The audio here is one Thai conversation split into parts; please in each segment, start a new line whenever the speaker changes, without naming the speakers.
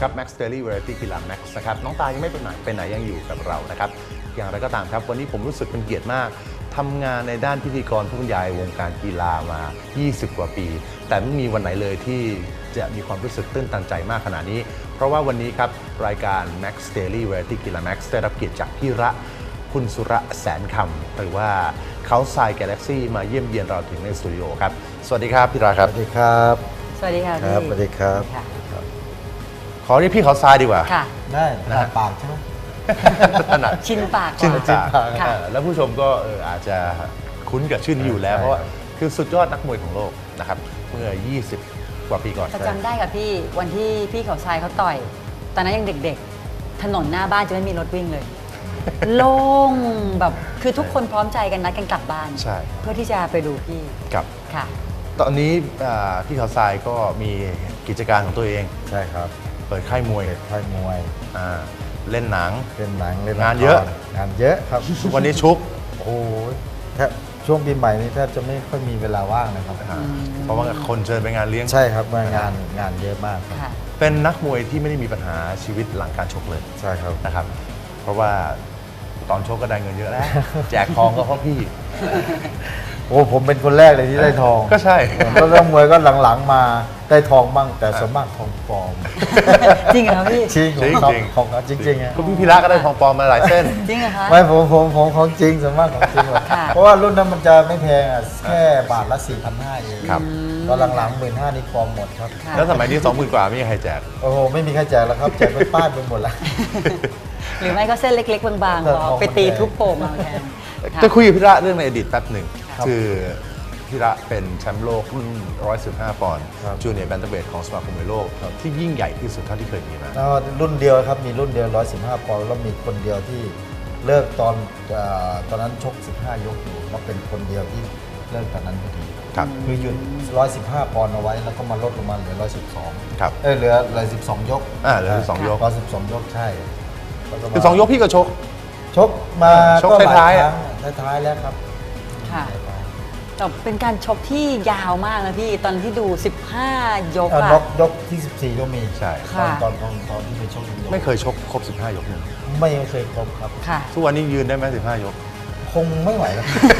ครับ Max Daily Variety กีฬา Max นะครับน้องตายังไม่ไปไหนยังอยู่กับเรานะครับอย่างไรก็ตามครับวันนี้ผมรู้สึกเป็นเกียรติมากทำงานในด้านพิธีกรผู้บรรยายวงการกีฬามา20 กว่าปี แต่ไม่มีวันไหนเลยที่จะมีความรู้สึกตื้นตันใจมากขนาดนี้เพราะว่าวันนี้ครับรายการ Max Daily Variety กีฬา Max ได้รับเกียรติจากพี่ระคุณสุระแสนคำหรือว่าเขาทราย Galaxy มาเยี่ยมเยียนเราถึงในสตูดิโอครับสวัสดีครับพี่ระครับ
สวัสดีครับ
สวัสดีค่ะ
ครับ
พี่
สวัสดีครับ
ค่ะ
ขอเรียกพี่เขาทรายดีกว่า
ค่ะ
ได้ถนัดปากใช่ไหม
ถนัด
ชินปาก
ชื่น
ก่อน
จาก
ค่ะ
แล้วผู้ชมก็อาจจะคุ้นกับชื่อนี้อยู่แล้ว
ใช่
เพราะว่าคือสุดยอดนักมวยของโลกนะครับเมื่อ 20 กว่าปีก่อน
แต่จำได้กับพี่วันที่พี่เขาทรายเขาต่อยตอนนั้นยังเด็กๆ ถนนหน้าบ้านจะไม่มีรถวิ่งเลย โล่งแบบคือทุกคนพร้อมใจกันนัดกันกลับบ้าน
ใช่
เพื่อที่จะไปดูพี่
กับ
ค่ะ
ตอนนี้พี่เขาทรายก็มีกิจการของตัวเอง
ใช่ครับ
เปิดค่ายมวย
เป็นค่ายมวย
เล่นหนัง
เป็นหนังเล่น
งานเยอะ
งานเยอะครับ
ทุกวันนี้ชุก
โอ้โหแทบช่วงปีใหม่นี้แทบจะไม่ค่อยมีเวลาว่างนะครับ
เพราะว่าคนเชิญไปงานเลี้ยง
ใช่ครับงานเยอะมากครับ
ค่ะ
เป็นนักมวยที่ไม่ได้มีปัญหาชีวิตหลังการชกเลย
ใช่ครับ
นะครับ เพราะว่าตอนชกก็ได้เงินเยอะแล้ว แจกทองก็เพราะพี่
โอ้ผมเป็นคนแรกเลยที่ได้ทอง
ก็ใช่
แล้วนักมวยก็หลังๆมาได้ทองบ้างแต่ส่วนมากทองปลอม
จริงเหรอพี่
จริง
จริง
ของ
จริง
ของจริงๆอะ
ก็พี่พิระก็ได้ทองปลอมมาหลายเส้น
จริงเหรอคะ
ไม่ผมของจริงส่วนมากของจริงหมด
ค่ะ
เพราะว่ารุ่นนั้นมันจะไม่แพงอ่ะแค่บาทละ 4,500 เอง
ครับ
ตอนหลังๆ 15,000นี่ปลอมหมดครับ
ค่ะ
แล้วสมัยนี้ 20,000 กว่าไม่มีใครแจก
โอ้โหไม่มีใครแจกแล้วครับแจกเป็นป้ายไปหมดแล้ว
หรือไม่ก็เส้นเล็กๆบางๆพอไปตีทุบโป่งมาแทนค่ะ
จะคุยกับพี่ระเรื่องในอดีตแป๊บหนึ่ง
ครับ
คือพี่ระเป็นแชมป์โลกรุ่น 115 ปอนด์
ครับ
จูเนียร์แบนเทเวทของสมาคมมวยโลก ที่ยิ่งใหญ่ที่สุดเท่าที่เคยมีมา
แล้วรุ่นเดียวครับมีรุ่นเดียว 115 ปอนด์แล้วมีคนเดียวที่เลิกตอนนั้นชก 15 ยกอยู่ก็เป็นคนเดียวที่เลิกตอนนั้นพอดี
ครับ
คือหยุด 115 ปอนด์เอาไว้แล้วก็มาลดลงมาเหลือ 112
ครับ
เหลือ12 ยก
เหลือ12 ยก
112 ยกใช่แล้วก็มา
คือ2 ยกพี่ก็ชก
ชกมา
ชก
ก็หล
ท้ายๆ
ค
อะ
รั้งท้ายๆแล้วครับ
ค่ะแต่เป็นการชกที่ยาวมากนะพี่ตอนที่ดู 15 ยก
เอา
อะ
ยกที่ 14 ก็มี
ใช่
ค่ะ
ตอนที่ไปชกยก
ไม่เคยชกครบ 15 ยกหนึ่ง
ไม่เคยครบครับ
ค่ะ
ทุกวันนี้ยืนได้ไหม15 ยก
คงไม่ไหวแล้ว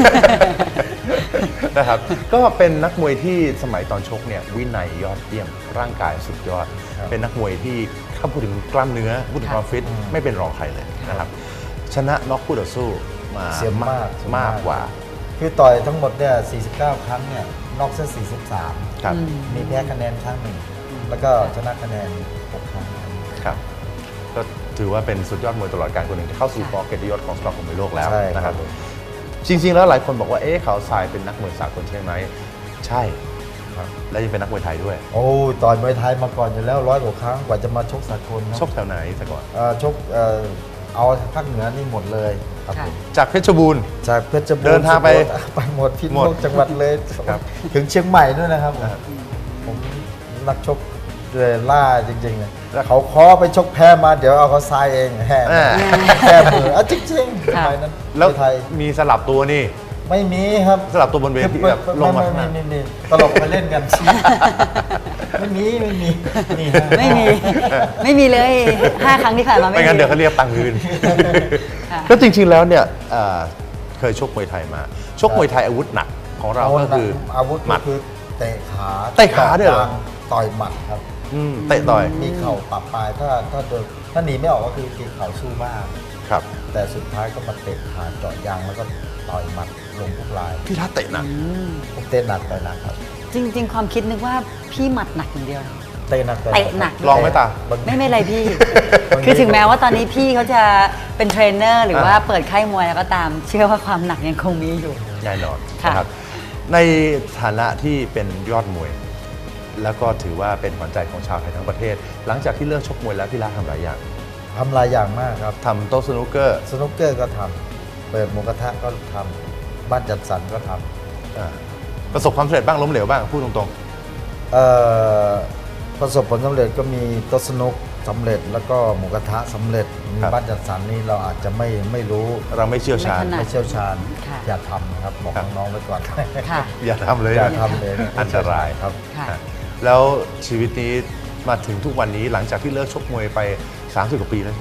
นะครับ ก็เป็นนักมวยที่สมัยตอนชกเนี่ยวินัยยอดเยี่ยมร่างกายสุดยอด
ครับ
เป็นนักมวยที่ถ้าพูดถึงกล้ามเนื้อพูดถึงความฟิตไม่เป็นรองใครเลยนะครับ ชนะน็อกคู่ต่อสู้มา
เสียมาก
มากกว่า
คือต่อยทั้งหมดเนี่ย49 ครั้งเนี่ยนอกเส้น43
ครับ
มีแพ้คะแนนครั้งหนึ่ง แล้วก็ชนะคะแนน 6 ครั้ง
ครับก็ถือว่าเป็นสุดยอดมวยตลอดการคนหนึ่งที่เข้าสู่กอเกียรติยศของสมาคมมวยโลกแล้ว
ใช่
นะค
ครั
รับ
บ
จริงๆแล้วหลายคนบอกว่าเขาทรายเป็นนักมวยสากลใช่ไหมใช่ครับและยังเป็นนักมวยไทยด้วย
โอ้ยต่อยมวยไทยมาก่อนอยู่แล้ว100 กว่าครั้งกว่าจะมาชกสากลครับ
ชกแถวไหนแต่ก่อน
ชกเอาภาคเหนือนี่หมดเลยครับ
ค่ะ
ผม
จากเพชรบูรณ์
จากเพชรบูรณ์
เดินทางไป
สุโขทัยไปหมดพิษ
หมด
ณุจังหวัดเลย
ครับ
ถึงเชียงใหม่ด้วยนะครับ
อ่า
ผมนักชกเลยล่าจริงๆเลยเขาขอไปชกแพ้มาเดี๋ยวเอาเขาทรายเองแพ้
อ่า
แพ้มือจริงๆส
ค่ะ
มัยนั้น
แล้ว
ไทย
มีสลับตัวนี่
ไม่มีครับ
สลับตัวบนเวทีแบบลงมาข้างหน้า
ไม่ตลกไปเล่นกัน ไม่มีนี่ฮะ
ไม่มีเลย 5 ครั้งที่ผ่านมา
ไม่งั้นเดี๋ยวเขาเรียกตังค์คืน
ค่ะ
ก็จริงๆแล้วเนี่ยเคยชกมวยไทยมา ชกมวยไทยอาวุธหนักของเราก็คือ
อาวุธ
หมั
ก็
ด
คือเตะขา
เตะขาด้วยเหรอ
ต่อยหมัดครับ
เตะต่อย
มีเข่าปะปลายถ้าหนีไม่ออกก็คือตีเข่าสู้มาก
ครับ
แต่สุดท้ายก็มาเตะขาเจาะยางแล้วก็ต่อยหมัดลงทุกลาย
พี่ทัศน์เตะหนัก
ผมเตะหนักต่อยหนักครับ
จริง ๆ ความคิดนึกว่าพี่หมัดหนักอย่างเดียว
เตะหนักต่อย
เตะหนัก
ลองไหมตา
ไม่ไรพี่ คือถึงแม้ว่าตอนนี้พี่เขาจะเป็นเทรนเนอร์หรือว่าเปิดค่ายมวยแล้วก็ตาม เชื่อว่าความหนักยังคงมีอยู่
แน่นอน
ค่ะ
นะครับในฐานะที่เป็นยอดมวย แล้วก็ถือว่าเป็นขวัญใจของชาวไทยทั้งประเทศ หลังจากที่เลิกชกมวยแล้วพี่ละทำหลายอย่าง
ทำหลายอย่างมากครับ
ทำโต๊ะสนุกเกอร์
สนุกเกอร์ก็ทำเปิดหมูกระทะก็ทำบ้านจัดสรรก็ทำ
ประสบความสำเร็จบ้างล้มเหลวบ้างพูดตรง
ประสบผลสำเร็จก็มีโต๊ะสนุกสำเร็จแล้วก็หมูกระทะสำเร็จมีบ้านจัดสรรนี่เราอาจจะไม่รู้
ๆ เราไม่เชี่ยวชาญ
ไม่ถนัด
ไม่เชี่ยวชาญ
ค่ะ
อย่าทำนะครับบอก
ครับ
น้องๆไว้ก่อน
ค่ะ
อย่าทำเลย
อย่าทำเลย
อันตราย
ครับ
ค่ะ
แล้วชีวิตนี้มาถึงทุกวันนี้หลังจากที่เลิกชกมวยไป30 กว่าปีแล้ว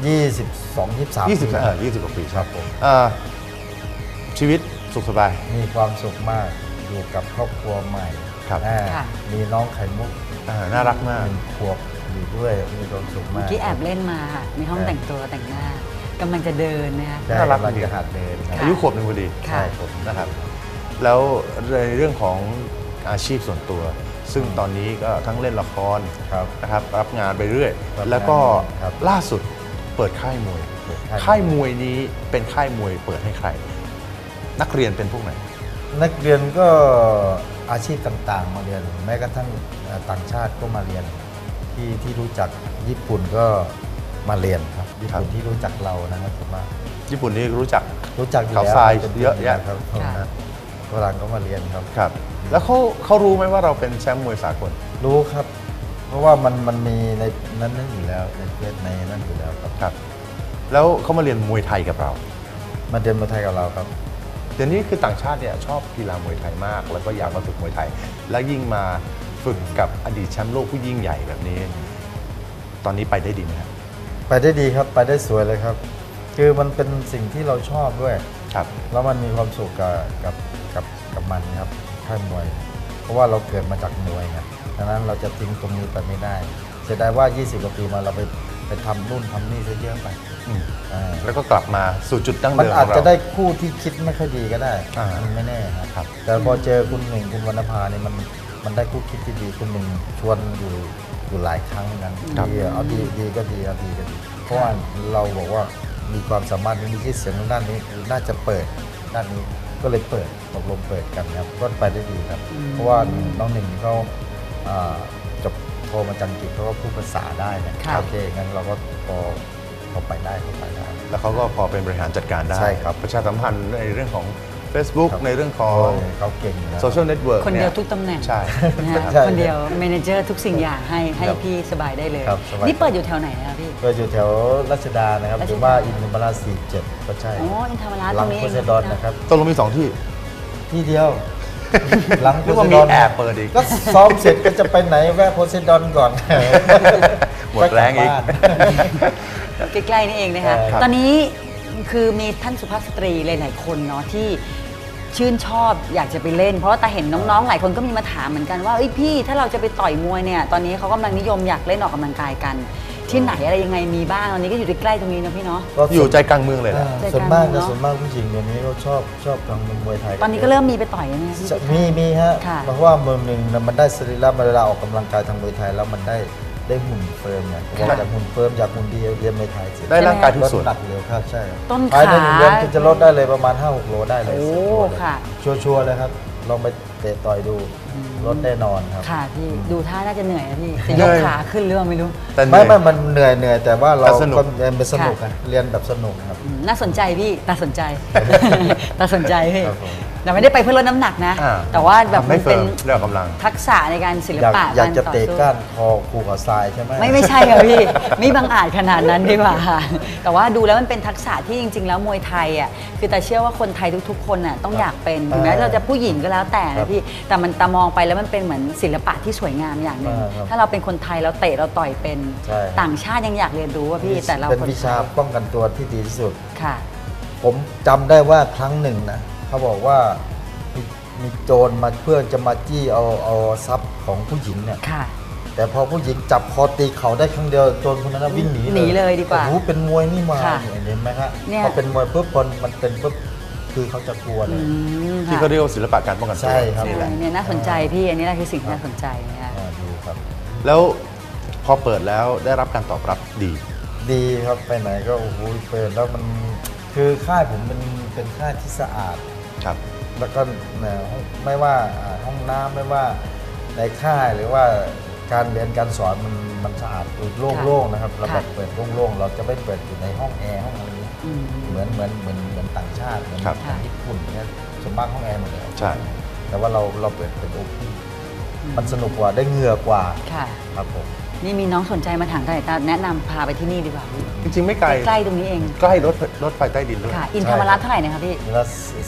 22 23
20
ปี
20 กว่าปี
ครับผม
ชีวิตสุขสบาย
มีความสุขมากอยู่กับครอบครัวใหม่
ครับ
ค่ะ
มีน้องไข่มุก
น่ารักมาก
1 ขวบอยู่ด้วยมีความสุข
เมื่
มา
อก กี้แอบเล่นมาค่ะมีห้องแต่งตัวแต่งหน้ากำลังจะเดินนะคะ
ได้
น่ารัก
กำลัง
จริง
จะหัดเดินครับ
อายุขวบหนึ่งพอดี
ค่ะ
ใช่ผม
นะครับ แล้วในเรื่องของอาชีพส่วนตัว ซึ่งตอนนี้ก็ทั้งเล่นละคร
ครับ
นะครับรับงานไปเรื่อย
รับงาน
แล้วก็
ครับ
ล่าสุดเปิดค่ายมวย
เปิดค่าย
ค่ายมวยนี้เป็นค่ายมวยเปิดให้ใคร นักเรียนเป็นพวกไหน
นักเรียนก็อาชีพต่างๆ มาเรียน แม้กระทั่งต่างชาติก็มาเรียนที่รู้จักญี่ปุ่นก็มาเรียนครับญี่ปุ่นที่รู้จักเรานะครับผมว่า
ญี่ปุ่นนี่รู้จัก
รู้จักอยู่
ข่าว
แล้ว
ทราย
ป็น
เยอะแยะ
ครับ
ค่ะ
ฝรั่งก็มาเรียนครับ
ครับ แล้วเขารู้ไหมว่าเราเป็นแชมป์มวยสากล
รู้ครับ เพราะว่ามันมีในนั้นอยู่แล้วในเฟซในนั้นอยู่แล้วครับ
ครับ แล้วเขามาเรียนมวยไทยกับเรา
มาเรียนมาไทยกับเราครับ
เดี๋ยวนี้คือต่างชาติเนี่ยชอบกีฬามวยไทยมาก แล้วก็อยากมาฝึกมวยไทย และยิ่งมาฝึกกับอดีตแชมป์โลกผู้ยิ่งใหญ่แบบนี้ ตอนนี้ไปได้ดีไหมครับ
ไปได้ดีครับไปได้สวยเลยครับ คือมันเป็นสิ่งที่เราชอบด้วย
ครับ
แล้วมันมีความสุขกับมันครับค่ายมวย เพราะว่าเราเกิดมาจากมวยไงดังนั้นเราจะทิ้งตรงนี้ไปไม่ได้เสียดายว่า 20 กว่าปีมาเราไปทำนู่นทำนี่ซะเยอะไป
อืม
อ่า
แล้วก็กลับมาสู่จุดดั้ง
มัน
เดิมข
อาจ
องเรา
จะได้คู่ที่คิดไม่ค่อยดีก็ได้
อ่ามั
มันไม่แน่ครับ
ครับ
แต่พอเจอคุณหนึ่งคุณวรรณภาเนี่ยมันได้คู่คิดที่ดีคุณหนึ่งชวนอยู่หลายครั้งเหมือนกัน
ครับ
ดีเอาดีก็ดีเอาดีก็ดีเพราะว่าเราบอกว่ามีความสามารถมีชื่อเสียงทางด้านนี้น่าจะเปิดด้านนี้ก็เลยเปิดตกลงเปิดกันครับก็ไปได้ดีครับ เพราะว่าน้องหนึ่งเขาจบโทมาจากอังกฤษเขาก็พูดภาษาได้นะ
ค่ะ
โอเคงั้นเราก็พอไปได้เขาไปได้
แล้วเขาก็พอเป็นบริหารจัดการได้
ใช่ครับ
ประชาสัมพันธ์ในเรื่องของ Facebook
ครับ
ในเรื่องของ
โอ้ยเขาเก่งอยู่แล้ว
โซเชียลเน็ตเวิร์ก
คนเดียวทุกตำแหน่ง
ใช่
นะฮะ
ใช่
คนเดียวเมเนเจอร์ทุกสิ่งอย่างให้
ครับ
พี่สบายได้เลย
ครับสบาย
นี่เปิดอยู่แถวไหนนะครับพี่
ก็อยู่แถวรัชดานะครับ
รัชดา
หรือว่าอินทรราช47 ก็ใช่
อ๋ออินทรราช
ห
ต
ลั
รง งนี้
โพไซดอนนะครับ
ตกลงมี2 ที่
ที่เดียว หลังโพ
นึก
ไซ
ว่า
ด
มี
อน
แอบเปิดอีก
ก็ซ้อมเสร็จก็จะไปไหนแวะโพไซดอนก่อน
หมดแรงอีก
ใกล้ๆนี่เองนะคะ
ครับ
ตอนนี้คือมีท่านสุภาพสตรีหลายๆคนเนาะที่ชื่นชอบอยากจะไปเล่น เพราะว่าตาเห็นน้องๆหลายคนก็มีมาถามเหมือนกันว่าเอ้ยพี่ถ้าเราจะไปต่อยมวยเนี่ยตอนนี้เขากำลังนิยมอยากเล่นออกกำลังกายกัน ที่ไหนอะไรยังไงมีบ้างตอนนี้ก็อยู่ใกล้ๆตรงนี้นะพี่เนาะ
ก็
อยู่ใจกลางเมืองเลยนะ
ส่วนมาก
ใจกลางเนอะ
ส่วนมากผู้หญิงเดี๋ยวนี้ก็ชอบทางมวยไทย
ตอนนี้ก็เริ่มมีไปต่อยแล้วนะพี่
จะมีฮะ
ค่ะ
เพราะว่ามือหนึ่งน่ะมันได้สรีระเวลาออกกำลังกายทางมวยไทยแล้วมันได้หุ่นเฟิร์มเนี่ยเพราะว่าจากหุ่นเฟิร์มจากหุ่นดีเรียนมวยไทยเสร็จ
ได้ร่างกายทุกส่วน
ลดน้ำหนักเร็วครับใช่
ต้น
ภายใน
ขา
1 เดือนคุณจะลดได้เลยประมาณ 5-6 โลได้เลย
โอ้
10 โลเลย
ค่ะ
ชัวร์ๆเลยครับ ลองไปเตะต่อยดูลดแน่นอนครับ
ค่ะพี่ดูท่าน่าจะเหนื่อยนะพี่จะยกขาขึ้นหรือเปล่าไม่รู้
แต่
ไม่มันเหนื่อยแต่ว่าเรา
แต่สนุก
ก็เรียนเป็นสนุก
ค่ะ
อะเรียนแบบสนุกครับ
น่าสนใจพี่ตาสนใจ ตาสนใจพี่
ครับผม
แต่ไม่ได้ไปเพื่อลดน้ำหนักนะ
อ่า
แต่ว่าแบบ
ทำ
มั
ให้
น
เฟิ
เป็น
ร์มเรื่องกำลัง
ทักษะในการศิล
อยาก
ปะ
อยากจะ
ต่อ
เตะ
สู้
ก้านคอครูขอทรายใช่ไหม
ไม่ใช่ค่ะพี่ ไม่บังอาจขนาดนั้นดีกว่าค่ะแต่ว่าดูแล้วมันเป็นทักษะที่จริง ๆ แล้วมวยไทยอ่ะคือแต่เชื่อว่าคนไทยทุกๆ คนน่ะต้องอยากเป็นถึงแม้เราจะผู้หญิงก็แล้วแต่
ครั
นะ
บ
พี่แต่มันตามองไปแล้วมันเป็นเหมือนศิลปะที่สวยงามอย่างหนึ่ง
ครับ
ถ้าเราเป็นคนไทยเราเตะเราต่อยเป็น
ใช่
ต่างชาติยังอยากเรียนรู้ว่าพี่แต่เรา
เป็น
คน
วิ
ไท
ชาย ป้องกันตัวที่ดีที่สุด
ค่ะ
ผมจำได้ว่าครั้งหนึ่งนะเขาบอกว่ามีโจรมาเพื่อจะมาจี้เอาทรัพย์ของผู้หญิงเนี่ย
ค่ะ
แต่พอผู้หญิงจับคอตีเขาได้ครั้งเดียวโจรคนนั้นนะวิ่งหนี
หนีเลยดีกว่า
โอ้โหเป็นมวยนี่มา
ค่ะ
เห็นไหมครับ
เนี่ย
พอเป็นมวยปุ๊บพอมันเป็นปุ๊บคือเขาจะกลัวเล
อื
ย
ม
ที่
ค่ะ
เขาเรียกว่าศิลปะการป้องกันตัว
ใช่ครับ
นี่แหละ
เนี่ยน่าสนใจพี่อันนี้แหละคือสิ่งที่น่าสนใจนะคะ
ดีครับ
แล้วพอเปิดแล้วได้รับการตอบรับดี
ดีครับไปไหนก็โอ้โหเปิดแล้วมันคือค่ายผมเป็นค่ายที่สะอาด
ครับ
แล้วก็ไม่ว่าห้องน้ำไม่ว่าในค่ายหรือว่าการเรียนการสอนมันสะอาดโล่งๆนะครับเราแบบเปิดโล่งๆเราจะไม่เปิดอยู่ในห้องแอร์ห้องอะไรนี้
อืม
เหมือนต่างชาติเหมือน
ครับ
ญี่ปุ่นเนี่ยส่วนมากห้องแอร์หมดเลย
ใช่
แต่ว่าเราเปิดเป็นโอเพนมันสนุกกว่าได้เหงื่อกว่า
ค่ะ
ครับผม
นี่มีน้องสนใจมาถามกันแต่แนะนำพาไปที่นี่ดีกว่า
จริงๆไม่ไกล
ใกล้ๆตรงนี้เอง
ใกล้รถไฟใต้ดินด้วย
ค่ะ อินธรรมรัตน์เท่าไหร่นะคะพี่
ละ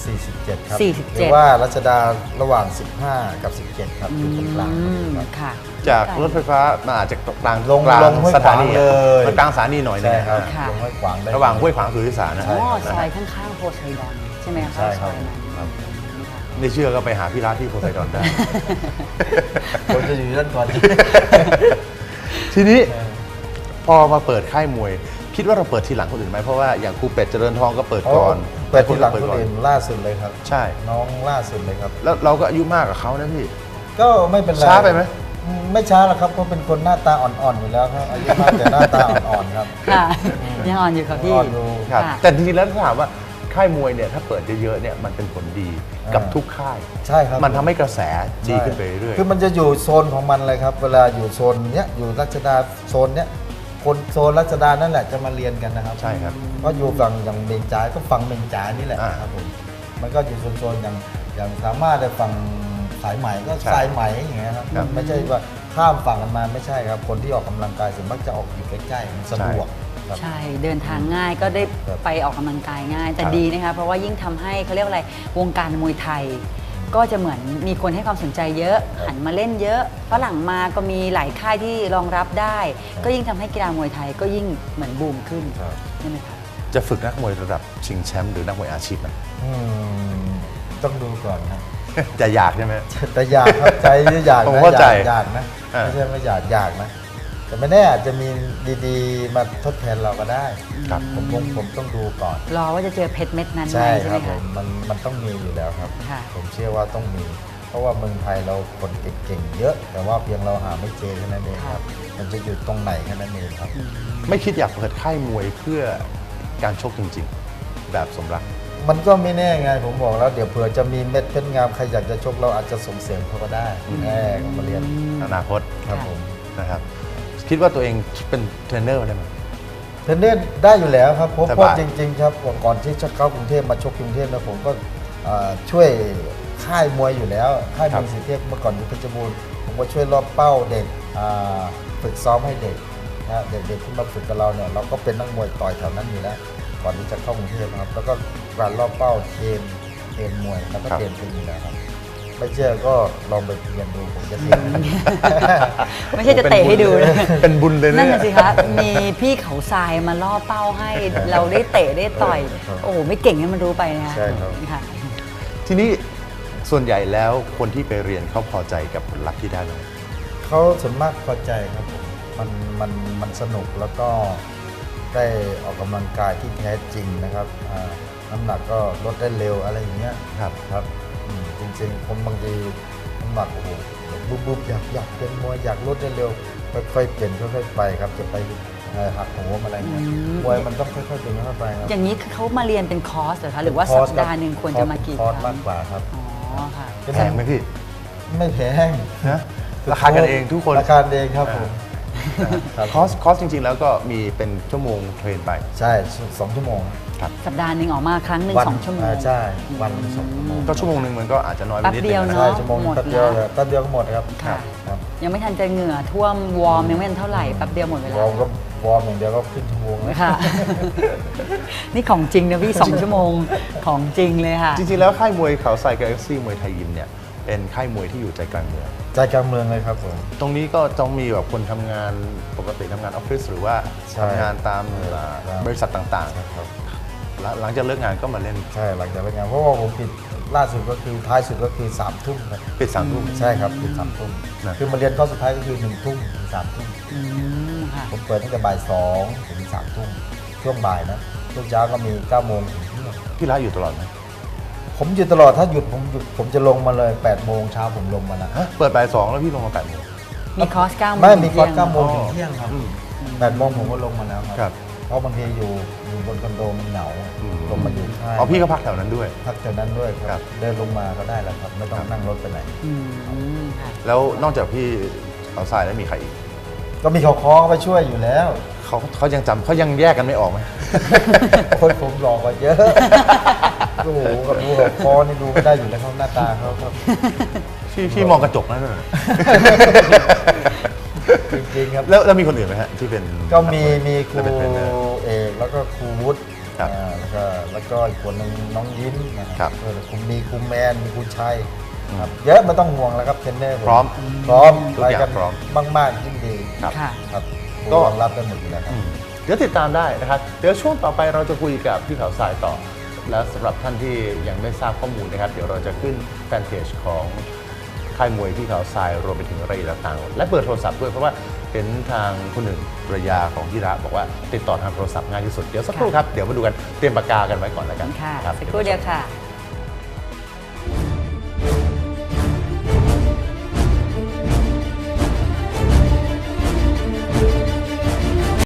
47 ครับ
47
หรือว่ารัชดาระหว่าง 15 กับ 17 ครับอยู่ตรงกลาง ครับ
ค่ะ
จากรถไฟฟ้ามาอาจจะกลาง
ลง
กลาง
ลงห้วย
สถานี
ขวางเลย
มันกลางสถานีหน่อยนึง
ใช่ครับ
ค่ะ
ลงห้วยขวางได้
ระหว่างห้วยขวางสุทธิสารนะ
อ๋อ
นะ
ซอ
ฮะ
ยข้างๆโพไซดอนใช่ไหมคะ
ใช่ครับ
ซอยนั้น
ครับ
ค่ะ
ไม่เชื่อก็ไปหาพี่รัฐที่โพไซดอนได้
คนจะอยู่ด้านก่อน
ทีนี้พอมาเปิดค่ายมวย คิดว่าเราเปิดทีหลังคนอื่นไหมเพราะว่าอย่างครูเป็ดเจริญทองก็เปิดก่อน
เปิดทีหลัง
เปิด
คน
ก่อน
อื่นล่าสุดเลยครับ
ใช่
น้องล่าสุดเลยครับ
แล้วเราก็อายุมากกว่าเขานะพี่
ก็ไม่เป็นไร
ช้าไปไหม
ไม่ช้าหรอกครับเพราะเป็นคนหน้าตาอ่อนๆอยู่แล้วครับอายุมากแต่หน้าตาอ่อนๆครับ
ค่ะยังอ่อนอยู่ครับพี่
อ่อนอยู่
ครับ
ค่ะ
แต่จริงๆแล้วถ้าถามว่าค่ายมวยเนี่ยถ้าเปิดเยอะๆเนี่ยมันเป็นผลดีกับทุกค่าย
ใช่ครับ
มันทำให้กระแสดีขึ้นไปเรื่อย
คือมันจะอยู่โซนของมันเลยครับ เวลาอยู่โซนเนี้ยอยู่รัชดาโซนเนี้ยคนโซนรัชดานั่นแหละจะมาเรียนกันนะครับ
ใช่ครับ
ก็อยู่ฝั่งอย่างเบงจ่ายก็ฝั่งเบงจ่ายนี่แหละ
อ่า
ครับผมมันก็อยู่โซนๆอย่างสามารถได้ฝั่งสายไหมก็
ใช่
สายไหมอย่างเงี้ยครับ
ครับ
ไม่ใช่ว่าข้ามฝั่งกันมาไม่ใช่ครับ คนที่ออกกำลังกายส่วนมากจะออกอยู่ใกล้ๆมันสะดวกครับ
ใช่ เดินทางง่ายก็ได้
ครับ
ไปออกกำลังกายง่าย แต่
ครับ
ดีนะคะเพราะว่ายิ่งทำให้เขาเรียกว่าอะไรวงการมวยไทย ก็จะเหมือนมีคนให้ความสนใจเยอะ หันมาเล่นเยอะฝรั่งมาก็มีหลายค่ายที่รองรับได้ ก็ยิ่งทำให้กีฬามวยไทยก็ยิ่งเหมือนบูมขึ้น
ครับ
ใช่ไหมคะ
จะฝึกนักมวยระดับชิงแชมป์หรือนักมวยอาชีพไหม
อืมต้องดูก่อนครับ
จะอยากใช่ไหม
แต่อยากครับใจอยาก
ผม
นะ
เข้าใจ
อยากนะ
อ่า
ไม่ใช่ไม่อยากนะ แต่ไม่แน่อาจจะมีดีๆ มาทดแทนเราก็ได้
ครับ
ผมต้องดูก่อน
รอว่าจะเจอเพชรเม็ดนั้นไหม
ใช่
ใช่
ค
ไหม
รับผ
คะ
มมันต้องมีอยู่แล้วครับ
ค่ะ
ผมเชื่อว่าต้องมี เพราะว่าเมืองไทยเราคนเก่งๆเยอะ แต่ว่าเพียงเราหาไม่เจอแค่นั้นเองครับ มันจะอยู่ตรงไหนแค่นั้นเองครับ
ไม่คิดอยากเปิดค่ายมวยเพื่อการชกจริงๆ แบบสมรัก
มันก็ไม่แน่ไงผมบอกแล้วเดี๋ยวเผื่อจะมีเม็ดเพชรงามใครอยากจะชกเราอาจจะส่งเสริมเขาก็ได้แก็มาเรียน
อนาคต
ครับผม
นะครับ คิดว่าตัวเองเป็นเทรนเนอร์ได้ไหม
เทรนเนอร์ได้อยู่แล้วครับเพราะ
สบาย
เพราะจริง ๆ ครับก่อนที่จะเข้ากรุงเทพมาชกกรุงเทพนะผมก็ช่วยค่ายมวยอยู่แล้วค่ายมวยสีเทพเมื่อก่อนอยู่เพชรบูรณ์ผมก็ช่วยรอบเป้าเด็กฝึกซ้อมให้เด็กนะเด็กๆที่มาฝึกกับเราเนี่ยเราก็เป็นนักมวยต่อยแถวนั้นอยู่แล้วก่อนที่จะเข้ากรุงเทพนะครับแล้วก็การรอบเป้าเทรนมวยแล้วก็เทรนเป็นอยู่แล้วครับไม่เชื่อก็ลองไปเรียนดูผมจะเทรน
ไม่ใช่จะเตะให้ดูนะ
เป็นบุญเลย
นั่น
เนี่ย
น่ะสิคะมีพี่เขาทรายมาล่อเป้าให้ เราได้เตะได้ต่อย
ครับ
โอ้โหไม่เก่งให้มันรู้ไปนะคะ
ใช่ครับ
ค่ะ
ทีนี้ส่วนใหญ่แล้วคนที่ไปเรียนเขาพอใจกับผลลัพธ์ที่ได้ไหม
เขาส่วนมากพอใจครับผมมันสนุกแล้วก็ได้ออกกำลังกายที่แท้จริงนะครับน้ำหนักก็ลดได้เร็วอะไรอย่างเงี้ย
ครับ
ครับจริงๆผมบางทีน้ำหนักโอ้โหบุ๊บอยากเป็นมวยอยากลดได้เร็วค่อยๆเป็นค่อยๆไปครับจะไปหักโหมอะไรเงี้ยมวยมันต้องค่อยๆเป็นค่อยๆไปครับ
อย่างนี้คือเขามาเรียนเป็นคอร์สเหรอคะหรือว่า
ค
สั
ร์
ป
ส
ดาห์หนึ่งควรจะมากี่
คอร์ส
ครั้
มาก
ง
กว่าครับ
อ๋อค่ะ
แพงไหมพี่
ไม่แพง
นะราคากันเองทุกคน
ราคาเองครับผมครับ
คอร์สจริงๆ แล้วก็มีเป็นชั่วโมงเทรนไป
ใช่2 ชั่วโมง
สัปดาห์หนึ่งออกมาครั้งหนึ่ง
วัน
2 ชั่วโมง
ใช่วันละ2 ชั่วโมง
ก็ชั่วโมงหนึ่งมันก็อาจจะน้อยไปนิด
แป๊บเดียว
นึง
เน
ใช่
อะ
ชั่วโมง
หมด
แป๊บเดียว
แล้ว
แป๊บเดียวก็หมดครับ
ค่ะ
ครับ
ยังไม่ทันจะเหงื่อท่วมวอร์มยังไม่ทันเท่าไหร่แป๊บเดียวหมดเว
ว
ลา
อร์มก็วอร์มอย่างเดียวก็ขึ้นชั่วโมงแล้ว
ค่ะ นี่ของจริงนะพี่ 2 ชั่วโมงของจริงเลยค่ะ
จริงๆ แล้วค่ายมวยเขาทรายกับเอ็กซี่มวยไทยยิมเนี่ยเป็นค่ายมวยที่อยู่ใจกลางเมือง
ใจกลางเมืองเลยครับผม
ตรงนี้ก็ต้องมีแบบคนทำงานปกติทำงานออฟฟิศหรือว่า
ใช่
ทำงานตาม
ครับ
บริษัทต่าง
ครับ
ๆแล้วหลังจากเลิกงานก็มาเล่น
ใช่หลังจากเลิกงานเพราะว่าผมปิดล่าสุดก็คือท้ายสุดก็คือ3 ทุ่มครับ
ปิด3 ทุ่ม
ใช่ครับปิด3 ทุ่ม
นะ
คือมาเรียนข้อสุดท้ายก็คือ1 ทุ่มถึง3 ทุ่ม
อืมค่ะ
ผมเปิดตั้งแต่บ่าย2ถึง3 ทุ่มช่วงบ่ายนะช่วงเช้าก็มี9 โมงถึงเที่ยง
พี่ร้านอยู่ตลอดไหม
ผมอยู่ตลอดถ้าหยุดผมจะลงมาเลย8 โมงเช้าผมลงมานะ
ฮะเปิดบ่าย2แล้วพี่ลงมา8 โมง
มีคอร์ส9 โมง
ไม่มีคอร์ส
เที่ยง
9 โมงถึงเที่ยงครับ
อืม
8 โมงผมก็ลงมาแล้วค
ครั
รับ เพราะบางทีอยู่บนคอนโดมันเหงา
อืม
ลงมาอยู่ค่าย
อ๋อพี่ก็พักแถวนั้นด้วย
พักแถวนั้นด้วยค
ครั
รับ บเดินลงมาก็ได้แล้วครับ ไม่ต้องนั่งรถไปไหน
อืมค่ะ
แล้วนอกจากพี่เขาทรายแล้วมีใครอีก
ก็มีเขาคอไปช่วยอยู่แล้ว
เขายังแยกกันไม่ออกไหม
คนผมหลอกกว่าเยอะ โอ้โหกับดูเขาคอนี่ดูไม่ได้อยู่แล้วเขาหน้าตาเขาครับ
พี่มองกระจกนั่นน่ะ
จริงๆครับ
แล้วมีคนอื่นไหมฮะที่เป็น
ก็มีครู
และเป็นเทรนเนอร์
เอกแล้วก็ครูวุฒิ
ครับ
แล้วก็อีกคนหนึงน้องยิ้มนะค
ครั
รั
บบ
มีครูแมนมีครูชัยครับเยอะไม่ต้องห่วงแล้วครับเทรนเนอร์ผ
พร้อม
พร้อม
ทุกอย่าง
ไปกัน
พร้อม
มากๆยิ่งดี
ครับ
ค่ะ
ครับครู
ก็
รองรับได้หมดอยู่แล้วครับ
เดี๋ยวติดตามได้นะครับ เดี๋ยวช่วงต่อไปเราจะคุยกับพี่เขาทรายต่อ และสำหรับท่านที่ยังไม่ทราบข้อมูลนะครับ เดี๋ยวเราจะขึ้นแฟนเพจของค่ายมวยพี่เขาทรายรวมไปถึงรายละเอียดต่างๆและเบอร์โทรศัพท์ด้วยเพราะว่าเห็นทางคนหนึ่งภรรยาของพี่ระบอกว่าติดต่อทางโทรศัพท์ง่ายที่สุดเดี๋ยวสักครู่ครับเดี๋ยวมาดูกันเตรียมปากกากันไว้ก่อนแล้วกัน
ค่ะ
รับ
สักครู่เดียวค่ะ